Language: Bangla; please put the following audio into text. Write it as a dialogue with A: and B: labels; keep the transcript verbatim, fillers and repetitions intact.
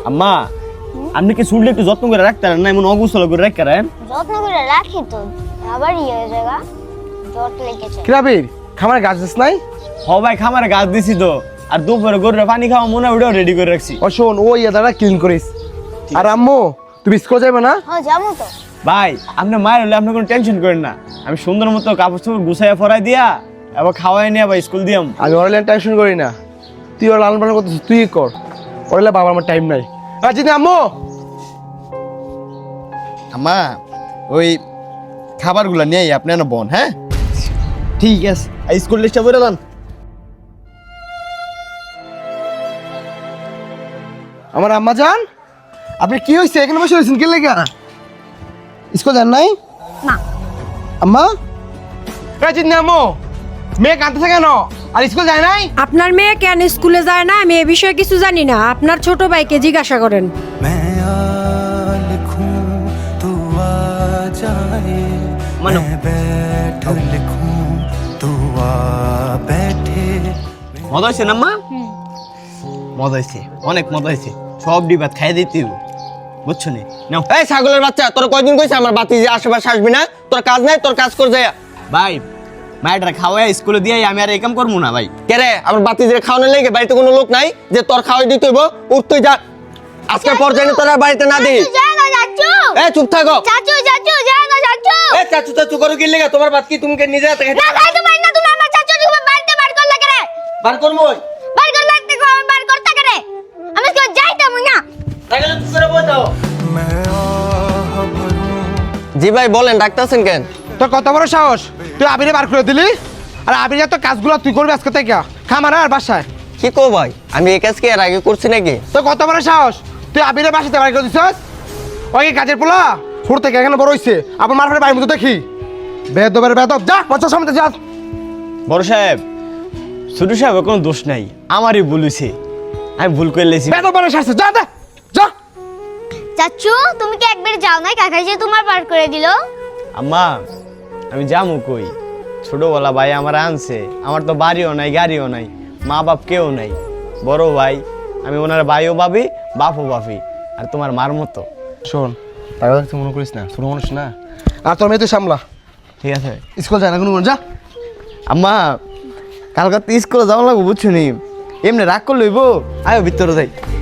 A: আম্মা আপনি কি শুনলে একটু যত্ন করে রাখতে না এমন অগুছল করে রাখেন?
B: যত্ন করে রাখি তো, আবার ইয়ে হয়ে জায়গা জট লেগেছে।
C: কিরাবির খামারে গাছ দিস নাই?
A: হ ভাই খামারে গাছ দিছি তো, আর দুপুরে গরুরে পানি খাওয়া মনে ওটাও রেডি করে রাখছি।
C: ও শোন ও ইয়া দ্বারা ক্লিন করিস। আর আম্মু তুমি স্কুল যাবে না?
B: হ্যাঁ যাবো তো।
A: ভাই আপনি মায়ের হলে আপনি কোনো টেনশন করেন না, আমি সুন্দর মতো কাপড় চোপড় গুছাইয়া ফরাই দিয়া এবার খাওয়াই নিয়ে আবার স্কুল দিয়াম।
C: আমি ওর টেনশন করি না, তুই ওর লালন পালন করতেছিস তুই কর, ওরলে বাবার আমার টাইম নাই। আর যদি আম্মু
D: আম্মা ওই খাবারগুলো নিয়ে আপনি না বোন। হ্যাঁ
A: ঠিক আছে,
D: এই স্কুল লিস্টটা বলে দেন।
C: আমার আম্মা জান আপনি কি হয়েছে এখানে বসে রয়েছেন কে লেগা? স্কুল যান নাই?
B: না।
C: আম্মা রাজিন না আম্মু মেয়ে কাঁদতেছে কেন আর স্কুল যায় নাই?
E: আপনার মেয়ে কেন স্কুলে যায় না আমি এ বিষয়ে কিছু জানি না, আপনার ছোট ভাইকে জিজ্ঞাসা করেন।
A: মজা হয়েছে না আম্মা? মজা হয়েছে, অনেক মজা হয়েছে, সব ডিবাত খাই দিতে হইব, বুঝছো নি? নাও।
D: এই ছাগলের বাচ্চা, তোর কয়দিন কইছে আমার বাতি যে আশেপাশে আসবি না? তোর কাজ নাই, তোর কাজ কর যায়।
A: ভাই মায়েরা খাওয়াই স্কুলে দিয়ে আমি আর এই কাম করবো না ভাই।
D: কে রে আমার বাতি যে খাওয়ানোর লেগে বাড়িতে কোনো লোক নাই যে তোর খাওয়াই দিতে হইব? উঠ তুই যা, আজকে পর্যায়ে তোরা বাড়িতে না দিস।
B: জায়গা চাচু।
D: এ চুপ থাকো।
B: চাচু চাচু জায়গা চাচু।
D: এ চাচু চাচু করো কি লেগে? তোমার বাত কি তুমি কে নিজে হাতে
B: না খাইতে পারি না, তুমি আমার চাচু তুমি বাড়িতে বার করলা কেন?
D: বার করবো ওই
B: বার কর লাগতে কো বার করতে কেন? আমি তো যাইতাম না।
D: তাহলে চুপ করে বসে দাও। জি ভাই বলেন, ডাক্তারছেন কেন?
C: তোর কত বড় সাহস তুই আবিরে বার করে দিলি? আর আবির তো কাজগুলো তুই করবি আজকে থেকে খামারে আর বাসায়?
D: কি কো ভাই, আমি এই কাজ কি এর আগে করছি নাকি?
C: তোর কত বড় সাহস তুই আবিরে বাসাতে বার করে দিছিস? ওই কাজের পোলা ছোট থেকে এখানে বড় হইছে, আবার মারফারে বাড়ির মতো দেখি বেদবের বেদব। যা পঞ্চাশ সামনে যা।
A: বড় সাহেব ছোট সাহেব কোনো দোষ নাই, আমারই ভুল হয়েছে, আমি ভুল করে লেছি।
C: বেদব বড় সারছে, যা দে যা।
B: চাচু তুমি কি একবার যাও নাই, কাকা যে তোমার বার করে দিল?
A: আম্মা আমি যামু কই, ছোটবেলা ভাই আমার আনছে, আমার তো বাড়িও নাই গাড়িও নাই, মা বাপ কেউ নাই, বড় ভাই আমি ওনার ভাইও ভাবি বাপও ভাবি, আর তোমার মার মতো।
C: শোন টাকা দেখতে মনে করিস না, ছোট মানুষ না। আর তোর মেয়ে তুই সামলা,
A: ঠিক আছে?
C: স্কুল যায় না কোনো যা।
A: আম্মা কালকে তো স্কুলে যাওয়া লাগবো, বুঝছো নি? এমনি রাগ করে লইব, আয়ো ভিতরে যাই।